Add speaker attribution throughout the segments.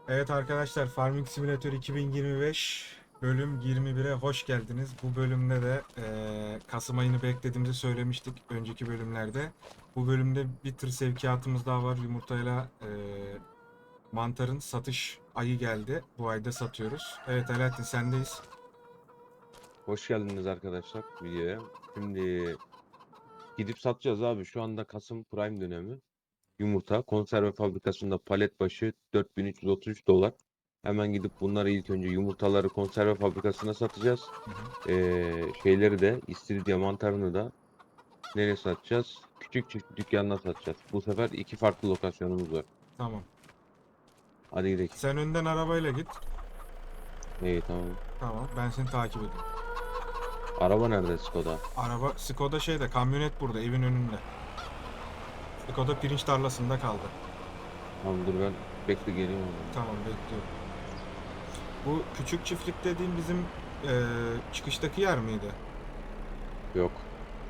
Speaker 1: Evet arkadaşlar, Farming Simulator 2025 bölüm 21'e hoş geldiniz. Bu bölümde de Kasım ayını beklediğimizi söylemiştik önceki bölümlerde. Bu bölümde bir tır sevkiyatımız daha var. Yumurtayla mantarın satış ayı geldi. Bu ayda satıyoruz. Evet Alaaddin, sendeyiz.
Speaker 2: Hoş geldiniz arkadaşlar videoya. Şimdi gidip satacağız abi. Şu anda Kasım Prime dönemi. Yumurta konserve fabrikasında palet başı 4333 dolar. Hemen gidip bunları ilk önce yumurtaları konserve fabrikasına satacağız.
Speaker 1: Hı hı.
Speaker 2: Şeyleri de istiridye mantarını da nereye satacağız? Küçük çift dükkanına satacağız. Bu sefer iki farklı lokasyonumuz var.
Speaker 1: Tamam.
Speaker 2: Hadi gidelim.
Speaker 1: Sen önden arabayla git.
Speaker 2: İyi tamam.
Speaker 1: Tamam, ben seni takip edeyim.
Speaker 2: Araba nerede Skoda?
Speaker 1: Araba Skoda şeyde, kamyonet burada evin önünde. Skoda pirinç tarlasında kaldı.
Speaker 2: Tamam dur ben bekle geliyorum o zaman.
Speaker 1: Tamam, bekliyorum. Bu küçük çiftlik dediğim bizim çıkıştaki yer miydi?
Speaker 2: Yok.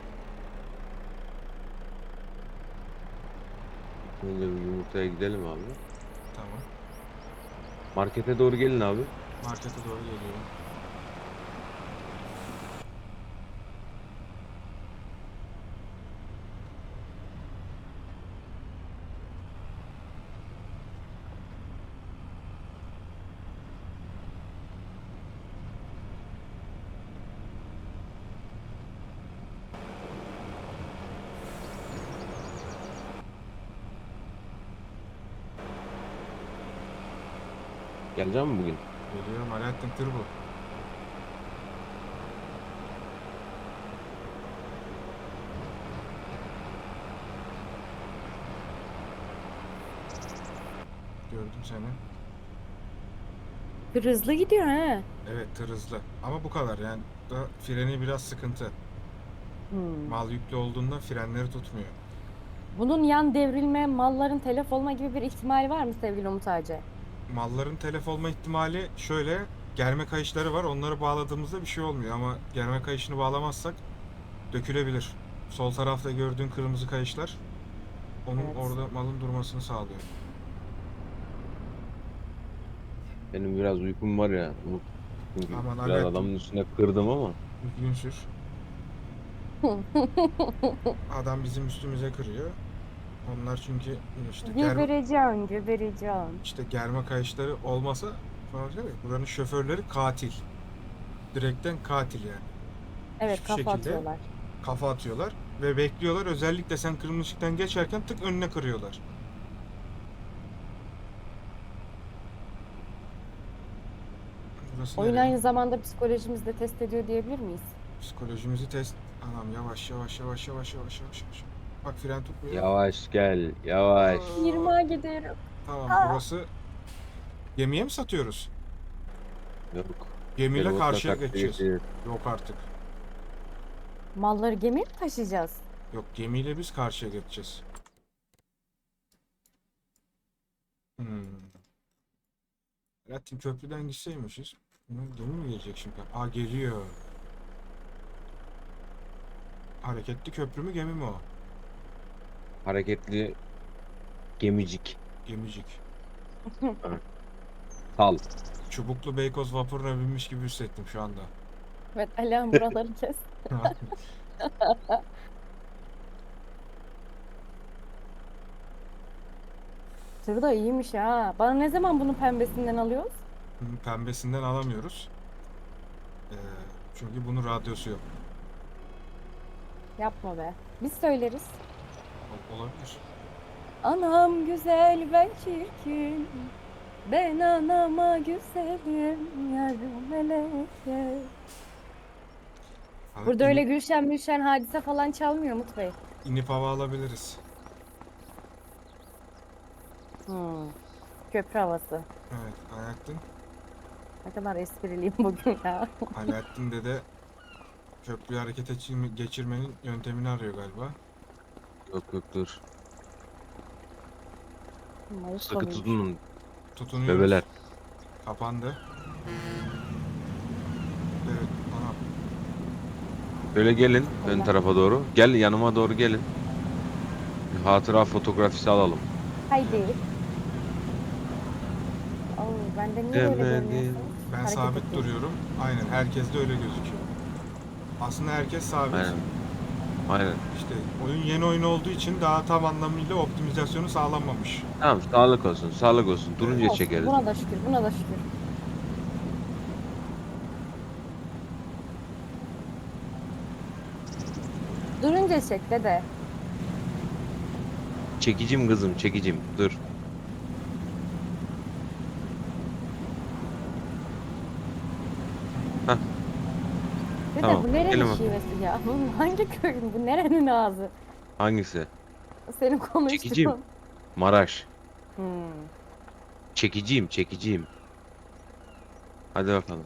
Speaker 2: Önce bir yumurtaya gidelim abi.
Speaker 1: Tamam.
Speaker 2: Markete doğru gelin abi.
Speaker 1: Markete doğru geliyorum.
Speaker 2: Geleceğim mi bugün?
Speaker 1: Geliyorum, Alaaddin tır bu. Gördüm seni.
Speaker 3: Bir hızlı gidiyor ha.
Speaker 1: Evet, tır hızlı. Ama bu kadar yani. Da freni biraz sıkıntı.
Speaker 3: Hmm.
Speaker 1: Mal yüklü olduğunda frenleri tutmuyor.
Speaker 3: Bunun yan devrilme, malların telef olma gibi bir ihtimali var mı sevgili Umut Ağacı?
Speaker 1: Malların telef olma ihtimali şöyle. Germe kayışları var. Onları bağladığımızda bir şey olmuyor. Ama germe kayışını bağlamazsak dökülebilir. Sol tarafta gördüğün kırmızı kayışlar onun
Speaker 3: Evet.
Speaker 1: orada malın durmasını sağlıyor.
Speaker 2: Benim biraz uykum var ya. Umut. Çünkü
Speaker 1: Aman
Speaker 2: biraz
Speaker 1: Alaaddin,
Speaker 2: adamın üstüne kırdım ama.
Speaker 1: düzgün sür. Adam bizim üstümüze kırıyor. Onlar çünkü
Speaker 3: Gebereceğim, gebereceğim.
Speaker 1: işte germe kayışları olmasa falan diyor ya, buranın şoförleri katil. Direkten katil yani.
Speaker 3: Evet,
Speaker 1: Hiçbir
Speaker 3: kafa
Speaker 1: şekilde
Speaker 3: atıyorlar.
Speaker 1: kafa atıyorlar ve bekliyorlar. Özellikle sen kırmızı ışıktan geçerken tık önüne kırıyorlar. Burası
Speaker 3: Oyun
Speaker 1: nereye?
Speaker 3: aynı zamanda psikolojimizi de test ediyor diyebilir miyiz?
Speaker 1: Psikolojimizi test. Anam, yavaş yavaş yavaş yavaş yavaş yavaş yavaş. Bak, fren tutmuyor.
Speaker 2: Yavaş gel. Yavaş.
Speaker 1: Aa,
Speaker 3: 20'a gidiyorum.
Speaker 1: tamam,
Speaker 3: Aa.
Speaker 1: burası gemiye mi satıyoruz?
Speaker 2: Yok.
Speaker 1: Gemiyle
Speaker 2: Feribotla
Speaker 1: karşıya
Speaker 2: karşıya
Speaker 1: geçeceğiz.
Speaker 2: geçeceğiz.
Speaker 1: Yok artık.
Speaker 3: Malları gemiye mi taşıyacağız?
Speaker 1: Yok, gemiyle biz karşıya geçeceğiz. Hmm. Latin köprüden gitseymişiz. Gemi mi gelecek şimdi? Aa, geliyor. Hareketli köprü mü, gemi mi o?
Speaker 2: Hareketli gemicik.
Speaker 1: Gemicik.
Speaker 2: Sal.
Speaker 1: Çubuklu Beykoz vapuruna binmiş gibi hissettim şu anda.
Speaker 3: Evet, Alihan buraları kes. Tır da iyiymiş ha. Bana ne zaman bunun pembesinden alıyoruz?
Speaker 1: Pembesinden alamıyoruz. Ee, çünkü bunun radyosu yok.
Speaker 3: Yapma be. Biz söyleriz.
Speaker 1: Olabilir.
Speaker 3: Anam güzel ben çirkin. Ben anama güzelim yarım meleke.
Speaker 1: Hani
Speaker 3: Burada öyle Gülşen Mülşen Hadise falan çalmıyor Umut Bey.
Speaker 1: inip hava alabiliriz.
Speaker 3: Hmm. Köprü havası.
Speaker 1: Evet, Alaaddin.
Speaker 3: Ne kadar espriliyim bugün ya.
Speaker 1: Alaaddin dede köprüyü geçirmenin yöntemini arıyor galiba.
Speaker 2: Yok yok dur.
Speaker 3: Mayıs
Speaker 2: Sıkı
Speaker 3: sonuymuş.
Speaker 2: tutunun bebeler.
Speaker 1: Tutunuyoruz. Kapandı. Evet, ana.
Speaker 2: Böyle gelin ön
Speaker 3: Allah.
Speaker 2: tarafa doğru. Gel yanıma doğru gelin. Bir hatıra fotoğrafisi alalım.
Speaker 3: Haydi. Bende niye böyle
Speaker 2: Demedim.
Speaker 3: görünüyorsun?
Speaker 1: Ben
Speaker 3: Hareket
Speaker 1: sabit
Speaker 3: etmiyor.
Speaker 1: duruyorum. Aynen herkes de öyle gözüküyor. Aslında herkes sabit.
Speaker 2: Aynen. Aynen.
Speaker 1: İşte oyun yeni oyun olduğu için daha tam anlamıyla optimizasyonu sağlanmamış.
Speaker 2: Tamam, sağlık olsun. Sağlık olsun. Durunca
Speaker 1: Evet.
Speaker 3: Olsun.
Speaker 2: çekeriz.
Speaker 3: Buna da şükür. Buna da şükür. Durunca çek dede.
Speaker 2: Çekicim kızım, çekicim. Dur. Hah,
Speaker 3: Dede
Speaker 2: tamam.
Speaker 3: bu nerenin
Speaker 2: Gelin bakalım.
Speaker 3: şivesi ya? Bu hangi köyün? Bu nerenin ağzı?
Speaker 2: Hangisi?
Speaker 3: Senin
Speaker 2: Çekicim.
Speaker 3: konuştuğun.
Speaker 2: Maraş.
Speaker 3: Hmm.
Speaker 2: Çekiciyim, çekiciyim. Hadi bakalım.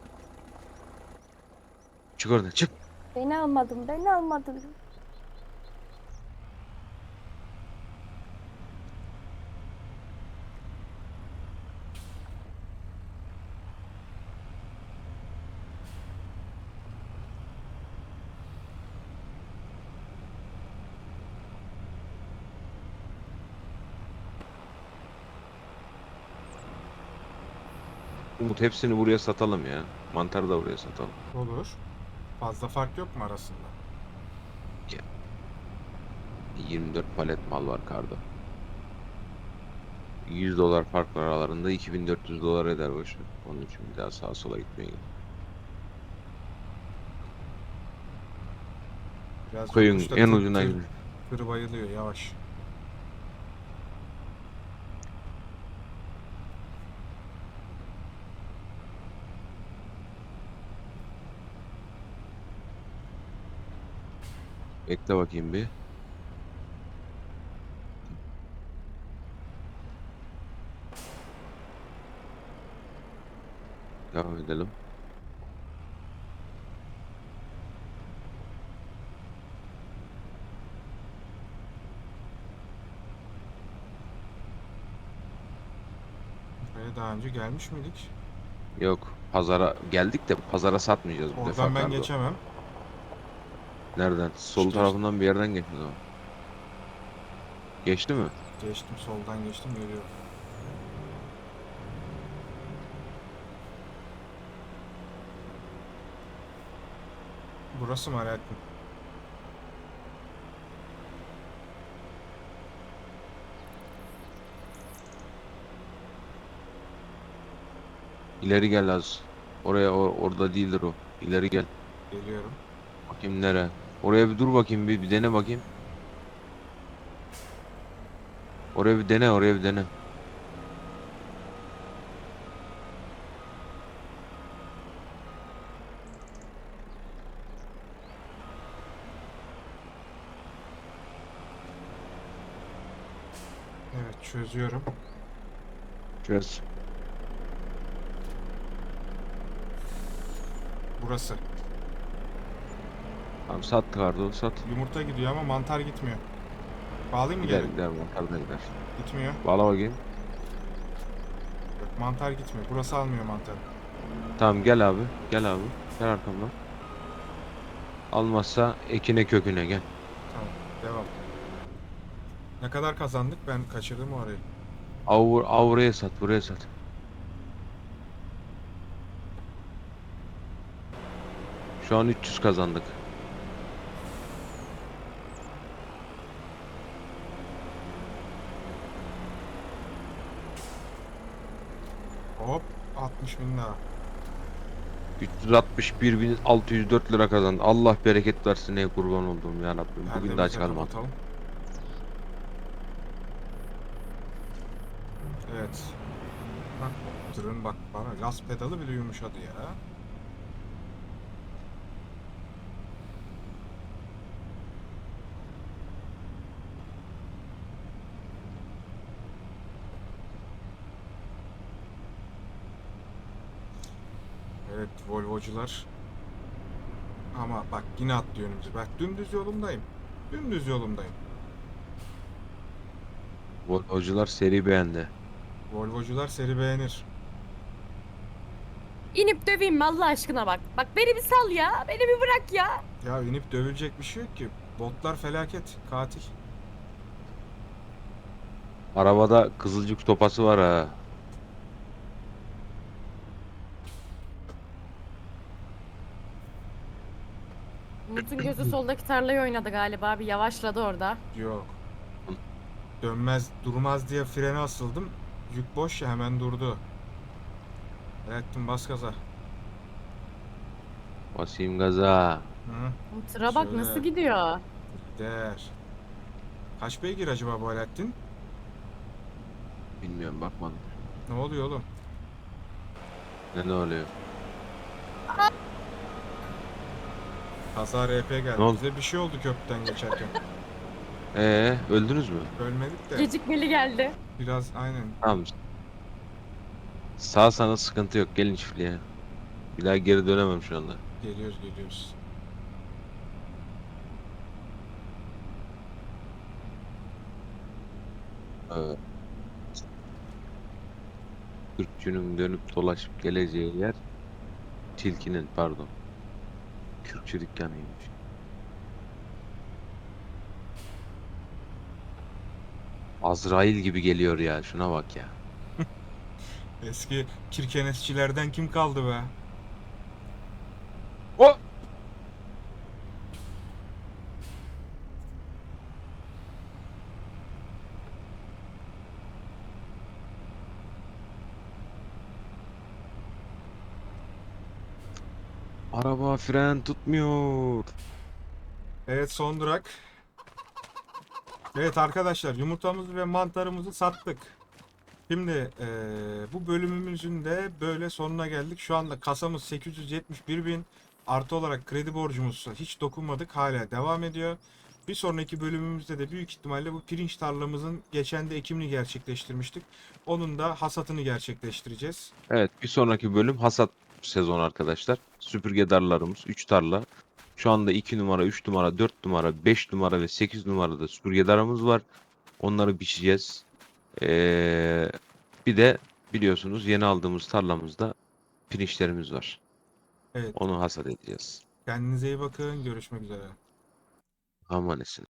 Speaker 2: Çık oradan, çık.
Speaker 3: Beni almadın. Beni almadın.
Speaker 2: Umut, hepsini buraya satalım ya. Mantarı da buraya satalım.
Speaker 1: Olur. Fazla fark yok mu arasında?
Speaker 2: 24 palet mal var karda. 100 dolar fark var aralarında, 2400 dolar eder boşu. Onun için bir daha sağa sola gitmeye gerek.
Speaker 1: Biraz
Speaker 2: Koyun
Speaker 1: yokuşta
Speaker 2: en ucuna gidin.
Speaker 1: tır bayılıyor yavaş.
Speaker 2: Bekle bakayım bir. Devam edelim.
Speaker 1: Buraya daha önce gelmiş miydik?
Speaker 2: Yok. Pazara geldik de pazara satmayacağız bu defa
Speaker 1: Oradan ben
Speaker 2: kardo.
Speaker 1: geçemem.
Speaker 2: Nereden? Sol
Speaker 1: İşte
Speaker 2: tarafından bir yerden geçti o. Geçti mi?
Speaker 1: geçtim, soldan geçtim, geliyorum. Burası mı Alaaddin?
Speaker 2: İleri gel az. Oraya orada değildir o. İleri gel.
Speaker 1: Geliyorum.
Speaker 2: Bakayım nere? Oraya bir dur bakayım, bir dene bakayım. Oraya bir dene, oraya bir dene.
Speaker 1: Evet, çözüyorum.
Speaker 2: Çöz.
Speaker 1: Burası.
Speaker 2: Tamam, sat kardo, sat.
Speaker 1: Yumurta gidiyor ama mantar gitmiyor. Bağlayayım mı
Speaker 2: Gider
Speaker 1: geri?
Speaker 2: gider, mantar da gider.
Speaker 1: Gitmiyor.
Speaker 2: Bağla bakayım.
Speaker 1: Yok, mantar gitmiyor. Burası almıyor mantarı.
Speaker 2: Tamam, gel abi. Gel abi. Gel arkamdan. Almazsa ekine köküne gel.
Speaker 1: Tamam, devam. Ne kadar kazandık? Ben kaçırdım orayı.
Speaker 2: Buraya sat, buraya sat. Şu an 300 kazandık.
Speaker 1: Hop, 60 bin daha.
Speaker 2: 361.604 lira kazandı. Allah bereket versin, ey kurban olduğum ya Rabbim. Bugün de
Speaker 1: Perdemizi
Speaker 2: aç
Speaker 1: de
Speaker 2: kalma.
Speaker 1: kapatalım. Evet. Bak, tırın bak bana gaz pedalı bile yumuşadı ya. Evet, Volvo'cular. Ama bak yine atlıyor önümüze. Bak dümdüz yolumdayım. Dümdüz yolumdayım.
Speaker 2: Volvocular seri beğendi.
Speaker 1: Volvo'cular seri beğenir.
Speaker 3: İnip döveyim mi Allah aşkına bak. Bak beni bir sal ya. Beni bir bırak ya.
Speaker 1: Ya inip dövülecek bir şey yok ki. Botlar felaket, katil.
Speaker 2: Arabada kızılcık topası var ha.
Speaker 3: Umut'un gözü soldaki tarlayı oynadı galiba. Bir yavaşladı orada.
Speaker 1: Yok. Dönmez, durmaz diye frene asıldım. Yük boş ya, hemen durdu. Ettim, bas gaza.
Speaker 2: Basayım gaza.
Speaker 1: Hı,
Speaker 3: Tıra bak
Speaker 1: Şöyle.
Speaker 3: nasıl gidiyor.
Speaker 1: gider. Kaç beygir acaba bu Alaaddin?
Speaker 2: Bilmiyorum, bakmadım.
Speaker 1: Ne oluyor oğlum?
Speaker 2: Ne oluyor?
Speaker 1: Kaza RP geldi.
Speaker 2: Ne oldu?
Speaker 1: Bize bir şey oldu köprüden geçerken.
Speaker 2: Öldünüz mü?
Speaker 1: Ölmedik de
Speaker 3: Gecikmeli geldi.
Speaker 1: biraz aynen
Speaker 2: Tamam. Sağ sana sıkıntı yok. Gelin çiftliğe. Bir daha geri dönemem şu anda.
Speaker 1: geliyoruz.
Speaker 2: Evet. Kürkçünün dönüp dolaşıp geleceği yer tilkinin, pardon. Kürkçü dükkanıymış. Azrail gibi geliyor ya. Şuna bak ya.
Speaker 1: Eski kirkenesçilerden kim kaldı be?
Speaker 2: O! Araba fren tutmuyor.
Speaker 1: Evet, son durak. Evet arkadaşlar, yumurtamızı ve mantarımızı sattık. Şimdi bu bölümümüzün de böyle sonuna geldik. Şu anda kasamız 871 bin. Artı olarak kredi borcumuz hiç dokunmadık. Hala devam ediyor. Bir sonraki bölümümüzde de büyük ihtimalle bu pirinç tarlamızın geçen de ekimini gerçekleştirmiştik. Onun da hasatını gerçekleştireceğiz.
Speaker 2: Evet, bir sonraki bölüm hasat sezonu arkadaşlar. Süpürge darlarımız 3 tarla. Şu anda 2 numara, 3 numara, 4 numara, 5 numara ve 8 numarada süpürge darımız var. Onları biçeceğiz. Ee, Bir de biliyorsunuz yeni aldığımız tarlamızda pirinçlerimiz var.
Speaker 1: Evet,
Speaker 2: Onu hasat edeceğiz.
Speaker 1: kendinize iyi bakın. Görüşmek üzere.
Speaker 2: Amanesin.